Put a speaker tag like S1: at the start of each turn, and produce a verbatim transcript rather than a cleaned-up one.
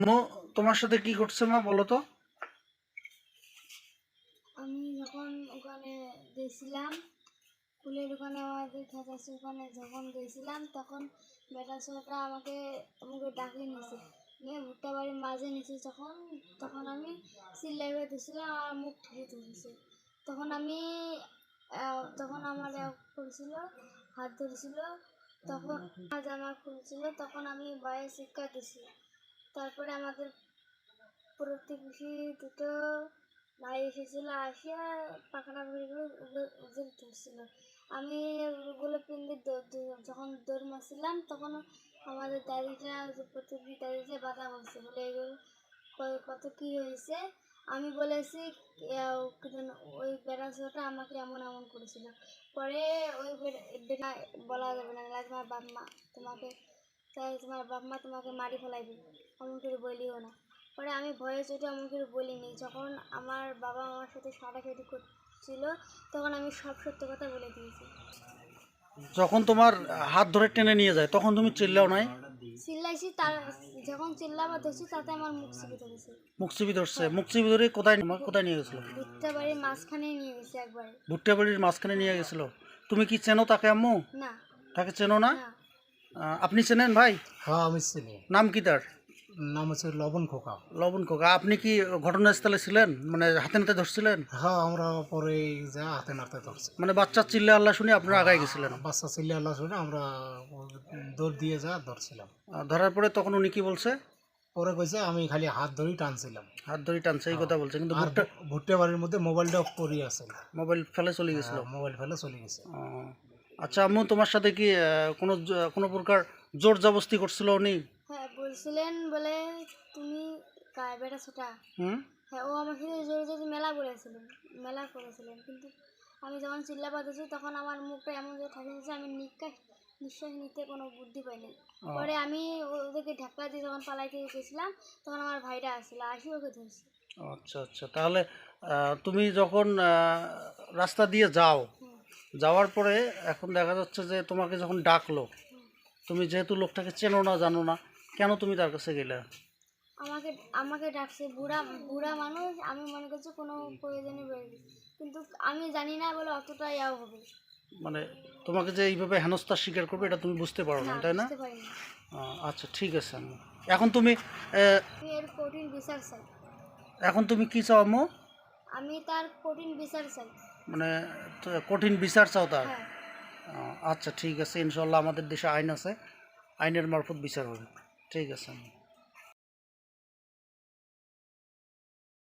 S1: মো তোমার সাথে কি ঘটছে মা বলো তো?
S2: আমি যখন ওখানে গেছিলাম ফুলের দোকানে, আমাদের খাতাসের ওখানে যখন গেছিলাম, তখন বেটা ছোটা আমাকে আমাকে ডাকিয়ে নিয়েছে, নিয়ে ভুট্টা বাড়ির মাঝে নিয়েছে। যখন তখন আমি চিল্লাই বেঁধেছিলাম, আমার মুখ ঠেকে ধরেছে। তখন আমি আহ, তখন আমার এক করেছিল, হাত ধরেছিল। তখন আমার জামা খুলছিল, তখন আমি বাইরে শিক্ষা দিছি। তারপরে আমাদের প্রতিবেশী দুটো ভাই এসেছিল, আসিয়া পাখানা ভরে করে ওদের ধরছিল। আমি ওগুলো পিন্ডি যখন দৌড় মারছিলাম, তখন আমাদের দাদিটা, যে প্রতিবেশী দাদিটা বাধা বলছে, বলে এগুলো কত কী হয়েছে। আমি বলেছি ওই বেড়াছোটা আমাকে এমন এমন করেছিল। পরে ওই বেটা বলা যাবে না, তোমার বাপ মা তোমাকে, তাই তোমার বাপ মা তোমাকে মারি ফেলাইবে, এমন করে বলিও না। পরে আমি ভয়ে চোটে এমন করে বলিনি। যখন আমার বাবা আমার সাথে সাটাসাটি করছিল, তখন আমি সব সত্য কথা বলে দিয়েছি।
S1: যখন তোমার হাত ধরে টেনে নিয়ে যায় তখন তুমি চিল্লাও নাই?
S2: চিল্লাইছি, তার যখন চিল্লাবা ধরছি, তাতে আমার মুখ চিপে ধরেছে।
S1: মুখ চিপে ধরছে? মুখ চিপে ধরে কোথায় কোথায় নিয়ে গেছিল?
S2: ভুট্টা বাড়ির মাঝখানে নিয়ে গেছে একবারে।
S1: ভুট্টা বাড়ির মাঝখানে নিয়ে গেছিল? তুমি কি চেনো তাকে আম্মু?
S2: না।
S1: তাকে চেনো না?
S2: না।
S1: আহ, আপনি চেনেন ভাই?
S3: হ্যাঁ আমি চিনি।
S1: নাম কি তার?
S3: নাম হচ্ছে লবণ খোকা।
S1: লবণ খোকা। আপনি কি ঘটনাস্থলে ছিলেন, মানে হাতে নাতে ধরছিলেন?
S3: হ্যাঁ আমরা পরে যা হাতে নাড়তে ধরছি।
S1: মানে বাচ্চা চিল্লা আল্লাহ শুনে আপনারা আগায় গেছিলেন?
S3: বাচ্চা ছেলে আল্লাহ শুনে আমরা দৌড় দিয়ে যা ধরছিলাম।
S1: আহ, ধরার পরে তখন উনি কি বলছে?
S3: পরে কইছে আমি খালি হাত ধরেই টানছিলাম।
S1: হাত ধরে টানছে এই কথা বলছে, কিন্তু
S3: আর
S1: ভুট্টা
S3: ভুট্টা বাড়ির মধ্যে মোবাইলটা পড়ে আছে,
S1: মোবাইল ফেলে চলে গেছিল?
S3: মোবাইল ফেলে চলে গেছে।
S1: ও, আচ্ছা আম্মু, তোমার সাথে কি আহ, কোনো জ- কোনো প্রকার জোর জবস্তি করছিল উনি?
S2: হ্যাঁ বলছিলেন, বলে তুমি কার বেটা ছোটা।
S1: হুম।
S2: হ্যাঁ, ও আমার সাথে জোরে জোরে মেলা বলেছিলেন, মেলা করেছিলেন। কিন্তু আমি যখন চিল্লা পাতেছি, তখন আমার মুখটা এমন যে থাকে যে আমি নিঃশ্বাস নিঃশ্বাস নিতে কোনো বুদ্ধি পাইনি।
S1: ও,
S2: পরে আমি ওদেরকে ঢাকা দিয়ে যখন পালাইতে গেছিলাম, তখন আমার ভাইটা আসছিল, আসি ওকে ধরছি।
S1: আচ্ছা আচ্ছা, তাহলে আহ, তুমি যখন আহ, রাস্তা দিয়ে যাও,
S2: হুম।
S1: যাওয়ার পরে এখন দেখা যাচ্ছে যে তোমাকে যখন ডাকলো, তুমি যেহেতু লোকটাকে চেনো না জানো না, কেন তুমি তার কাছে গেলে?
S2: আমাকে আমাকে ডাকছে, বুড়া বুড়া মানুষ, আমি মনে করছি কোনো প্রয়োজনে বেরিয়ে, কিন্তু আমি জানি না বলে অতটা ইয়াও হবে
S1: মানে তোমাকে যে এইভাবে হেনস্থার স্বীকার করবে এটা তুমি বুঝতে পারো না,
S2: না,
S1: তাই না?
S2: বুঝতে পারিনি।
S1: আহ, আচ্ছা ঠিক আছে আম্মু। এখন তুমি আহ,
S2: আমি এর কঠিন বিচার চাই।
S1: এখন তুমি কি চাও আম্মু?
S2: আমি তার কঠিন বিচার চাই।
S1: মানে তো কঠিন বিচার চাও তার?
S2: হ্যাঁ।
S1: আহ, আচ্ছা ঠিক আছে, ইনশাল্লাহ আমাদের দেশে আইন আছে, আইনের মারফত বিচার হবে। ঠিক আছে আম্মু।